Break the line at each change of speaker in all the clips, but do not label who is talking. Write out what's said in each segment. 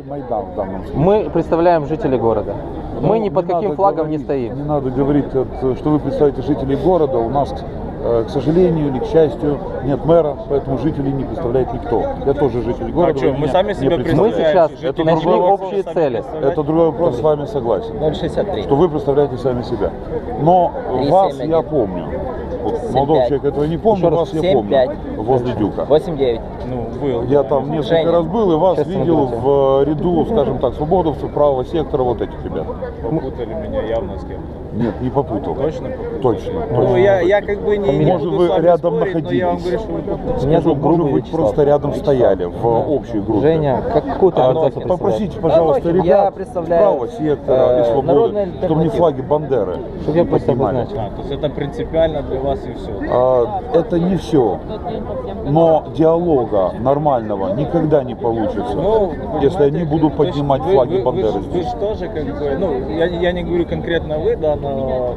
Майдан в данном случае.
Мы представляем жителей города. Мы ни под каким флагом не стоим.
Не надо говорить, что вы представляете жителей города. У нас, к сожалению или к счастью, нет мэра, поэтому жителей не представляет никто. Я тоже житель города.
Что, мы сами себя
Мы
представляем.
сейчас нашли общие цели.
Это другой вопрос, с вами согласен.
0,63.
Что вы представляете сами себя. Но
3,71.
вас я помню. Вот,
7,5.
молодой человек этого не помню, вас я
7,5.
помню. Возле Дюка.
8,9.
Ну, был.
Я там несколько
Женя.
раз был и вас
Сейчас
видел
смотрите.
в ряду, скажем так, свободовцев, правого сектора, вот этих ребят.
Попутали меня явно с кем-то.
Нет, не попутал.
Точно попутали?
Точно.
Ну,
точно.
я как бы не
Может,
буду
вы
с вами
рядом
спорить, но я вам
находились.
говорю, что вы попутали.
Меня зовут
Может
Грубый
быть,
Вячеслав.
просто рядом стояли в общей группе.
Женя, какую ты организацию представляешь?
Попросите, пожалуйста,
Я
ребят
представляю,
правого сектора и
Народная
свободы, чтобы не
альтернатива.
флаги Бандеры
Чтобы я
не
просто
поднимали.
обозначил.
То есть это принципиально для вас и все.
Это не все. Но диалога нормального никогда не получится,
Ну,
если они будут поднимать флаги Бандеры
Вы
здесь.
же тоже как бы, ну, я не говорю конкретно вы, да, но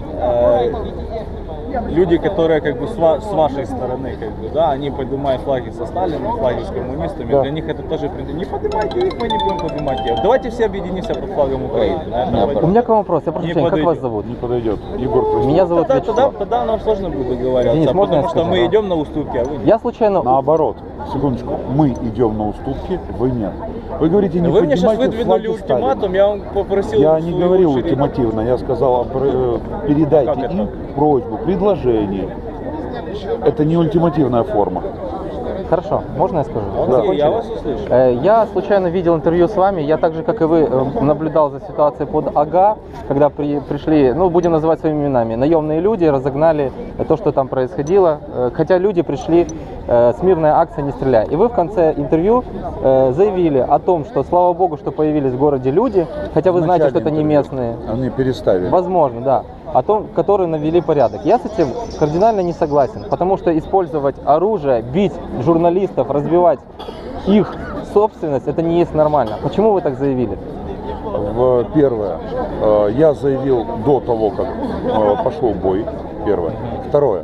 люди, которые как бы с вашей стороны, как бы, да, они поднимают флаги со Сталином, флаги с коммунистами,
Да.
для них это тоже не поднимайте их, мы не будем поднимать их. Давайте все объединимся под флагом Украины. Наверное,
У меня к вам вопрос. Я прошу
Не
прощения, как вас
подойдет.
зовут?
Не подойдет. Егор, прости.
Меня зовут Вячеслав.
тогда нам сложно будет договариваться,
Денис, можно я
потому что
скажу?
мы идем на уступки, а вы нет.
Я случайно...
Наоборот, секундочку, мы идем на уступки, вы нет. Вы говорите, не
Вы мне сейчас
поднимайте
выдвинули
флаги Сталина.
ультиматум, я вам попросил...
Я не
свою
говорил
очередь.
ультимативно, я сказал, передайте
Как это?
им просьбу, предложение. Это не ультимативная форма.
Хорошо, можно я скажу?
Окей,
Закончили?
я вас услышу.
Я случайно видел интервью с вами, я так же, как и вы, наблюдал за ситуацией под АГА, когда пришли, ну, будем называть своими именами, наемные люди, разогнали то, что там происходило, хотя люди пришли с мирной акцией «Не стреляй». И вы в конце интервью заявили о том, что, слава богу, что появились в городе люди, хотя вы знаете, что это не местные.
Они переставили.
Возможно, да. О том, которые навели порядок. Я с этим кардинально не согласен, потому что использовать оружие, бить журналистов, разбивать их собственность, это не есть нормально. Почему вы так заявили?
Первое, я заявил до того, как пошел бой. Первое. Второе,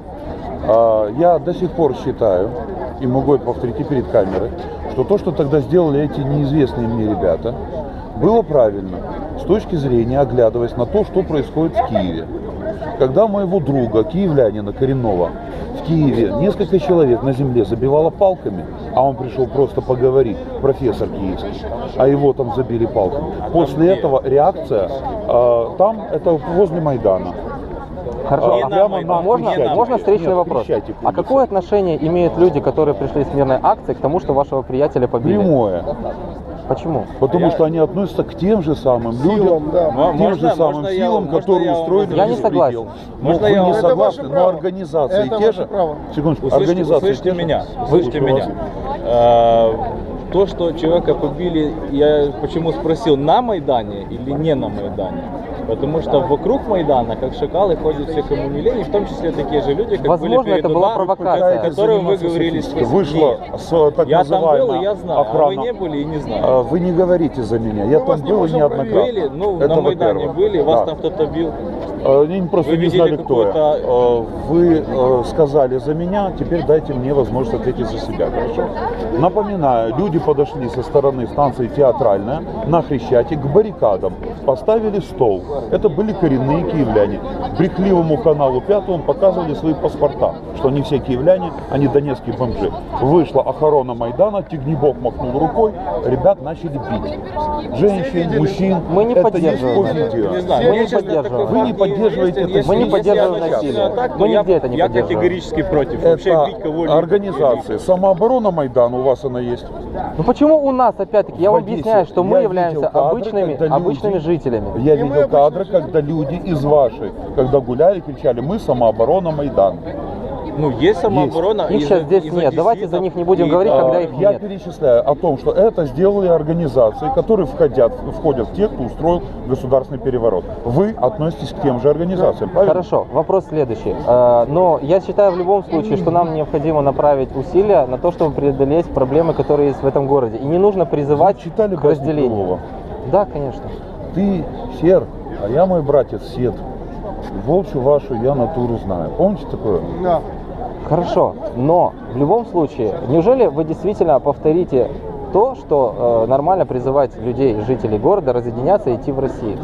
я до сих пор считаю, и могу это повторить и перед камерой, что то, что тогда сделали эти неизвестные мне ребята, было правильно с точки зрения, оглядываясь на то, что происходит в Киеве. Когда моего друга, киевлянина коренного, в Киеве несколько человек на земле забивало палками, а он пришел просто поговорить, профессор киевский, а его там забили палками. После этого реакция, там, это возле Майдана.
Хорошо,
Не
а
на Майдан,
можно,
не на
можно
Майдан.
встречный
Нет,
вопрос?
Крещатик
А
улица.
какое отношение имеют люди, которые пришли с мирной акцией, к тому, что вашего приятеля побили?
Прямое.
Почему?
Потому что они относятся к тем же самым людям, к тем же самым силам, которые устроили
Я не
беспредел.
согласен.
Можно
Вы
я
не
вам-
согласны, но организации
Это
те
ваше
же.
право.
Секундочку,
Услышьте,
организации
услышьте
те же.
меня,
Слушаю
услышьте
вас.
меня. То, что человека побили, я почему спросил, на Майдане или не на Майдане? Потому что вокруг Майдана, как шакалы, ходят все коммунилени, в том числе такие же люди, как
Возможно,
были перед
это была
ударом,
провокация.
о которой вы
Заниматься
говорили.
статистикой. Вышла с так
Я там был,
называемая
и я знаю, а вы
охрана.
не были и не знаю.
Вы не говорите за меня, я там был неоднократно.
Были, ну,
Это
на Майдане
во-первых.
были, вас
Да.
там кто-то бил.
Они просто
Вы
не
видели
знали, кто я.
какую-то-
Вы сказали за меня, теперь дайте мне возможность ответить за себя, хорошо? Напоминаю, люди подошли со стороны станции Театральная на Хрещатик к баррикадам, поставили стол. Это были коренные киевляне. Брехливому каналу Пятому показывали свои паспорта, что они все киевляне, они донецкие бомжи. Вышла охрана Майдана, Тигнебок махнул рукой, ребят начали бить. Женщин, мужчин.
Мы не
это
поддерживаем
есть по
это.
видео.
Не знаю,
Мы
мне,
не
честно,
поддерживаем.
такой
Вы не
факт
поддерживаете
неизвестен.
это.
Если-
Мы не
если
поддерживаем
я начну
насилие.
атаку,
Мы
я-
нигде это не
Я
поддерживаем.
категорически против. Вообще
Это
бить кого-либо.
организация. Самооборона Майдана, у вас она есть.
Ну почему у нас, опять-таки, я
В
вам
Одессе
объясняю, что мы
я
являемся
видел кадры,
обычными
когда
обычными
люди-
жителями.
Я видел кадры, когда люди из вашей, когда гуляли, кричали: мы самооборона Майдан.
Ну, есть самооборона.
Их
из-
сейчас здесь
из
нет. Давайте за них не будем
и-
говорить, когда их
Я
нет.
перечисляю о том, что это сделали организации, которые входят в те, кто устроил государственный переворот. Вы относитесь к тем же организациям, правильно?
Хорошо, вопрос следующий. Но я считаю в любом случае, что нам необходимо направить усилия на то, чтобы преодолеть проблемы, которые есть в этом городе. И не нужно призывать
Вы читали
к
басню
разделению.
Крылова?
Да, конечно.
Ты сер, а я мой братец сед. Волчью вашу я натуру знаю. Помните такое?
Да.
Хорошо, но в любом случае, неужели вы действительно повторите то, что нормально призывать людей, жителей города, разъединяться и идти в Россию.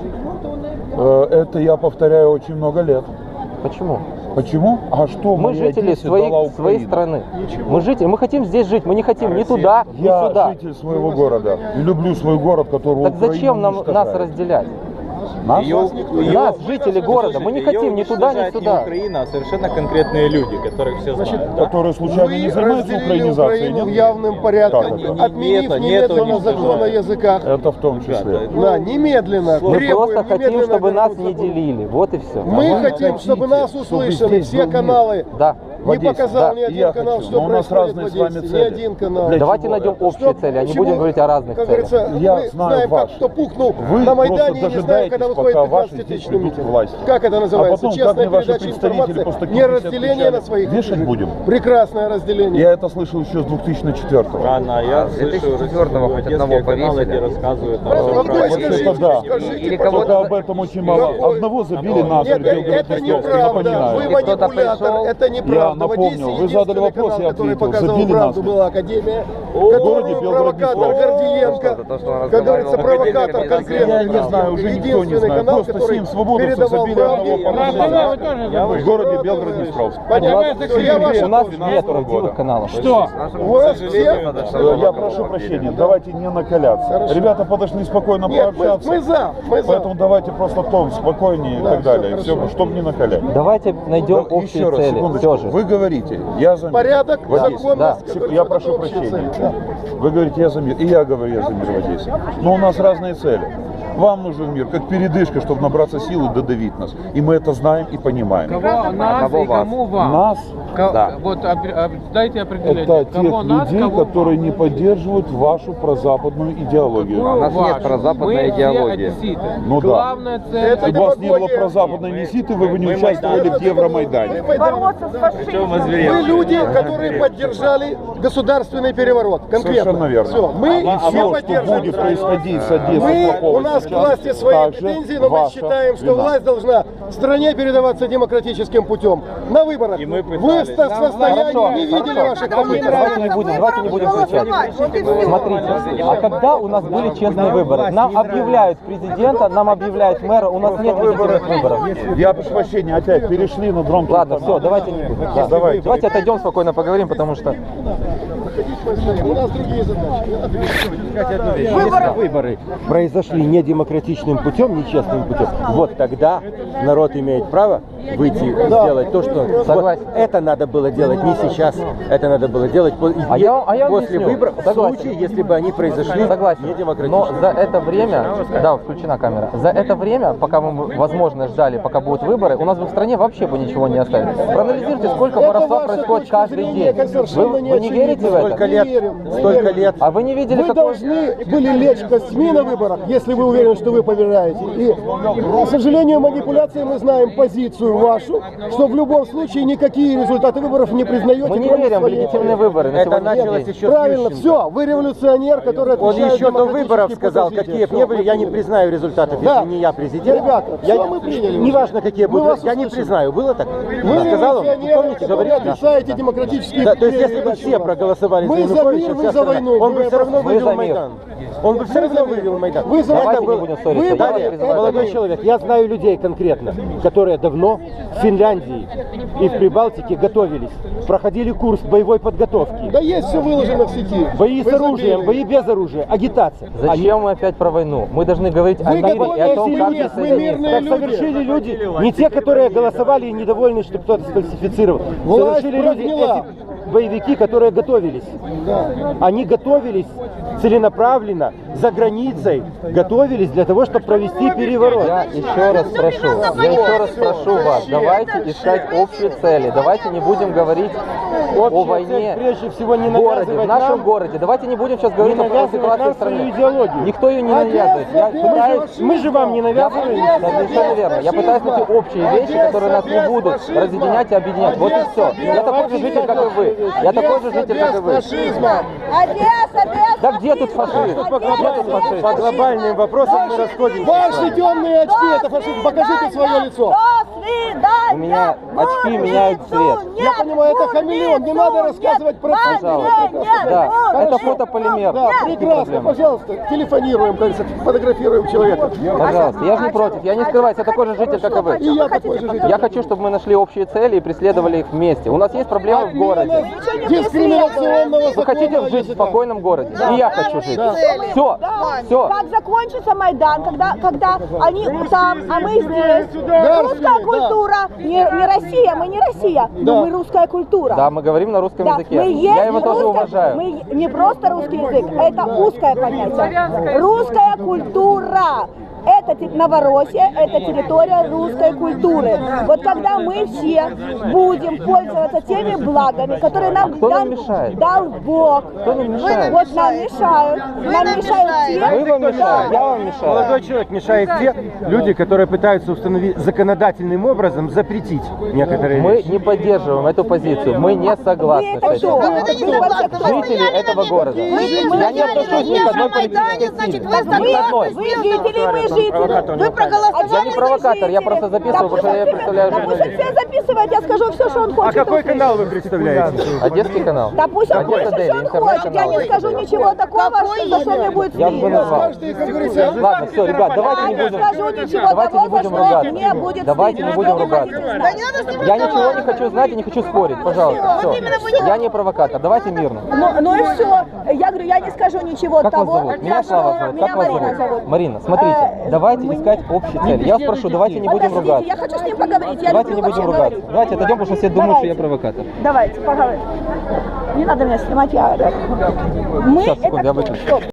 Это я повторяю очень много лет.
Почему?
Почему? А что
Мы
моей
жители
Одессе дала
своей
Украина?
страны. Мы жители, мы хотим здесь жить, мы не хотим ни туда, ни
Я
сюда.
житель своего города и люблю свой город, который
Так
Украину
зачем нас
уничтожает.
разделять?
Нас?
Нас, жители города, мы не хотим ни туда, ни сюда.
Не Украина, а совершенно конкретные люди, которых все знают. Да?
Которые случайно не занимаются украинизацией,
Украину в
нет?
явным порядком,
Как это?
отменив
Нету
немедленно
ничего.
закон о языках.
Это в том числе.
Да, немедленно.
Мы
Требуем
просто хотим,
немедленно
чтобы нас
вернуть
не
закон.
делили. Вот и все.
Мы
вы
хотим,
хотите,
чтобы нас
чтобы
услышали
здесь
все
был
каналы.
Да.
В
Не
Одессе,
показал
да.
ни
И
один
я
канал,
хочу.
что
Но у нас
происходит
разные
в
с вами
Одессе. Ни
цели.
один канал.
Для
Давайте
чего
найдем
это?
общие цели, а не будем говорить о разных
Как
целях.
говорится,
Я
мы
знаю
знаем, как
ваши.
кто пухнул
Вы
на
просто
Майдане, и не знаем,
дожидаетесь,
когда выходит
пока ваши
15-тысячный
здесь придут к
митинг.
власти.
Как это
А
называется?
потом, как
Честная
мне ваши
передача
представители
информации,
после
не
50
разделение
отвечали?
на своих
Вешать
жителей.
будем?
Прекрасное разделение.
Я это слышал еще с 2004-го.
Рано, я слышу
2004-го хоть одного
одесские каналы,
повесили.
где рассказывают там,
Просто
всё
вот
про
вы
Вот
Россию.
это да.
Или
Только
кого-то...
об этом очень мало. Одного забили на
Нет, это неправда. Вы
Или кто-то
манипулятор.
пришел.
Это неправда. В Одессе
напомнил. Вы задали
единственный
вопрос,
канал,
я
который
ответил.
показывал
Забили
правду,
нас.
была Академия,
городе
которую
Белгород-Днестровск.
провокатор Гордиенко,
То, что он
как говорится,
разговаривал.
провокатор
Я
конкретно.
Я не знаю, уже никто не
Единственный
знает.
канал,
Просто
который
7 свободовцев
передавал
забили
правду.
одного парня в городе Белгород-Днестровск.
У нас нет правдивых каналов.
Что?
У вас все?
Я прошу прощения, давайте не накаляться. Ребята подошли спокойно
Нет,
пообщаться.
мы за.
Поэтому давайте просто тон спокойнее и так далее, все, чтобы не накалять.
Давайте найдем общие
Еще раз,
цели.
секундочку.
Все же.
Вы говорите, я за мир.
Порядок,
в Одессе.
законность.
Да.
как
Я
говорится,
прошу
это общая
прощения.
цель. Да.
Вы говорите, я за мир. И я говорю, я за мир в Одессе. Но у нас разные цели. Вам нужен мир, как передышка, чтобы набраться сил и додавить нас. И мы это знаем и понимаем.
Кого нас
Кого
и
вас?
кому вам?
Нас
Да.
Вот дайте определение.
это тех
Кого нас,
людей,
кого
которые
вам?
не поддерживают вашу прозападную идеологию.
Какую
У нас нет
вашу?
прозападной
Мы
идеологии.
все одесситы.
Ну да.
Главная цель.
Это
Если бы у вас не было
демагогия.
прозападной неситы, вы бы не участвовали в Евромайдане.
бороться с фашизмом.
Вы люди, которые поддержали государственный переворот. Конкретно.
Совершенно верно.
Все. Мы
И
все
все, что
поддерживаем.
будет происходить с Одессой
Мы,
плохого
у нас к
сейчас,
власти свои
также
претензии, но мы
ваша
считаем, что
вина.
власть должна стране передаваться демократическим путем. На выборах.
И мы
Вы в
пытались.
состоянии
Хорошо,
не видели
хорошо.
ваших попыток.
Давайте не будем кричать. Смотрите, а когда у нас были честные выборы? Нам объявляют президента, нам объявляют мэра, у нас нет легитимных выборов.
Я прошу прощения, опять перешли на дрон.
Ладно, все, давайте не будем. Да. Давайте отойдем, спокойно поговорим, потому что...
У нас другие задачи.
Если выборы произошли не демократичным путем, нечестным путем, вот тогда народ имеет право выйти и сделать то, что
Согласен.
вот это надо было делать не сейчас, это надо было делать
А я
после
объясню.
выборов, в
Согласен.
случае, если бы они произошли
Согласен.
не
Но
демократично.
за это время, да, включена камера, за это время, пока мы, возможно, ждали, пока будут выборы, у нас бы в стране вообще бы ничего не осталось. Проанализируйте, сколько воровства
ваша
происходит
точка
каждый
зрения,
день.
как совершенно
Вы не верите в
Столько
это?
лет,
верим,
столько лет.
А вы не видели,
Вы
какой...
должны были лечь костьми на выборах, если вы уверены, что вы побеждаете. И, к сожалению, манипуляции мы знаем позицию вашу, что в любом случае никакие результаты выборов не признаете.
Мы не
кроме
верим в
своей.
легитимные выборы на
Это
сегодняшний
началось
день.
еще с
Правильно,
Ющенко.
все, вы революционер, который
Он
отвечает
еще до
демократически
выборов
по
сказал,
развитию.
какие бы ни были, я не признаю результатов,
Да.
если не я президент.
Ребята,
я,
всё мы приняли уже.
неважно, какие
Мы
будут,
вас
я не
услышали.
признаю. Было так?
Вы
Сказал он?
революционеры,
Помните,
которые
говорил?
отрицаете демократические
Да, то есть, если бы
передачи
все
у нас.
проголосовали
Мы
за
за
Януковича,
мир, вы
вся
за
страна,
войну.
он бы
Вы
все равно
за
вывел
мир.
Майдан. Он бы все равно вывел Майдан.
Вы за
Давайте
это
не будем ссориться.
вы
Давайте
за
призывать.
Молодой
это.
человек, я знаю людей конкретно, которые давно в Финляндии и в Прибалтике готовились, проходили курс боевой подготовки.
Да есть все выложено в сети.
Бои с
Вы
оружием,
забили.
бои без оружия, агитация.
Зачем мы опять про войну? Мы должны говорить о
Вы
мире и о
готовите
том, как
люди, мы
присоединиться.
мирные
Так
люди.
совершили люди, не те, которые голосовали и недовольны, что кто-то сфальсифицировал.
Власть
Совершили люди,
прогнила.
эти боевики, которые готовились. Они готовились целенаправленно, за границей, готовились для того, чтобы провести переворот.
Я еще раз прошу вас, давайте искать общие цели, давайте не будем говорить о
Общая
войне
цель, прежде всего, не
в городе, в
навязывать
нашем
нам,
городе. Давайте не будем сейчас
не
говорить о
навязывать
ситуации
нам
в стране.
свою идеологию.
Никто ее не навязывает. Я пытаюсь...
Мы же вам не навязываем.
Совершенно верно. Я пытаюсь найти общие вещи, которые нас не будут разъединять и объединять. Вот и все. Я такой же житель, как и вы. Я такой же житель, как и вы.
Фашизма.
Одесса, без
Да где тут фашист? Где тут фашист?
По глобальным вопросам мы расходимся.
Ваши темные очки, это фашизм. Покажите свое лицо.
До свидания.
У меня очки меняют цвет.
Я понимаю, это хамелеон, не надо рассказывать про цвет.
Да,
Хорошо.
это фотополимер.
Да, прекрасно,
Проблема.
пожалуйста, телефонируем, кажется, фотографируем человека.
Пожалуйста, я же не против, я не скрываюсь, я такой же житель, как и вы.
И я такой же житель.
Я хочу, чтобы мы нашли общие цели и преследовали их вместе. У нас есть проблемы в городе.
Дискриминационного
Вы хотите
закона
жить в
языка.
спокойном городе? И я хочу жить. Все,
Да.
все.
Как закончится Майдан, когда они там, а мы здесь.
Да,
Русская
да.
культура, не Россия, мы не Россия, но мы русская культура.
Да, мы говорим на русском
Да,
языке.
мы есть
Я его тоже
русская-
уважаю.
Мы не просто русский язык, это узкое понятие. Русская культура. Это Новороссия, это территория русской культуры. Вот когда мы все будем пользоваться теми благами, которые нам,
Кто нам мешает?
дал Бог.
Кто нам мешает?
Вот нам мешают. Нам мешают те,
Вы вам мешаете, я вам мешаю.
Молодой человек мешает те люди, которые пытаются установить законодательным образом запретить некоторые
Мы
вещи.
не поддерживаем эту позицию, мы не
Вы
согласны
это
с
кто?
этим. Жители этого города. Я не отношусь ни к одной политической силе. Ни к одной.
Вы жители, мы жители.
Вы проголосовали. Я не провокатор, я просто записываю, потому что я представляю
Да пусть
журналистов.
все записывает, я скажу все, что он
А
хочет.
какой канал вы представляете?
Одесский канал.
Да пусть он
Одесса
хочет,
Дейли,
что он хочет. Я не
интернет-канал.
скажу ничего такого, за что мне будет
Я уже
стыдно.
назвал. Ладно, все, ребят, давайте не
Я не
будем.
скажу ничего
Давайте не
того, за
будем
что
ругаться.
мне будет
Давайте
стыдно.
не будем
Что вы
ругаться.
хотите знать?
Я ничего не хочу знать и не хочу спорить, пожалуйста. Все. Я не провокатор, давайте мирно.
Ну и все. Я говорю, я не скажу ничего
Как вас
того,
зовут? Меня
за
Слава
что
зовут.
меня
Как вас
Марина
зовут?
зовут.
Марина, смотрите, давайте искать общие цели. Я вас прошу, давайте не будем
Подождите,
ругаться.
я хочу с ним поговорить. Я
Давайте не
люблю
будем
вообще
ругаться.
говорить.
Давайте отойдем, потому что все думают, что я
Давайте.
провокатор.
Давайте, поговорим. Не надо меня снимать, я... Мы
Сейчас, секунду, я
это кто?
выключу.
Стоп.